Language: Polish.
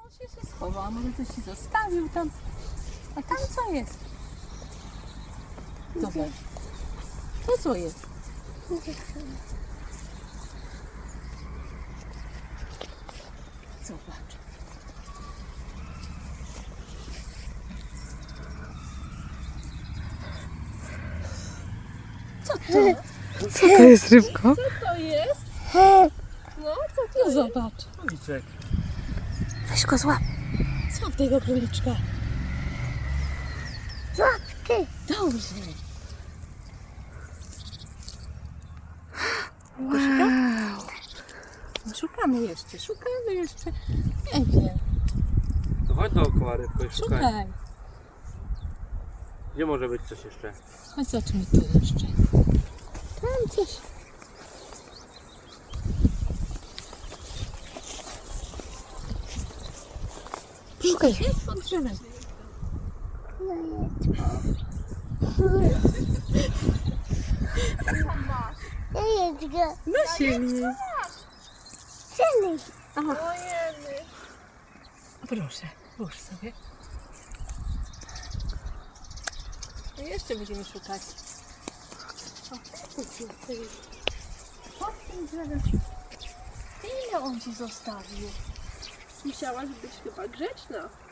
Może się schował, a może coś ci zostawił tam. A tam co jest? Zobacz. To co jest? Zobacz. Co to? Co to jest, rybko? Co to jest? No, co to No jest? zobacz. Króliczek. Weź go złap. Złap tego króliczka. Złap ty. Dobrze. Wow. No, szukamy jeszcze. Nie wiem. To chodź dookoła rybko i szukaj. Szukaj. Gdzie może być coś jeszcze? Chodź zobaczmy tu jeszcze. Tam coś. Szukaj. Jest pod drzewem. Na ziemi. Proszę, włóż sobie. I jeszcze będziemy szukać. O, pod tym drzewem. Ile on ci zostawił? Musiałaś być chyba grzeczna.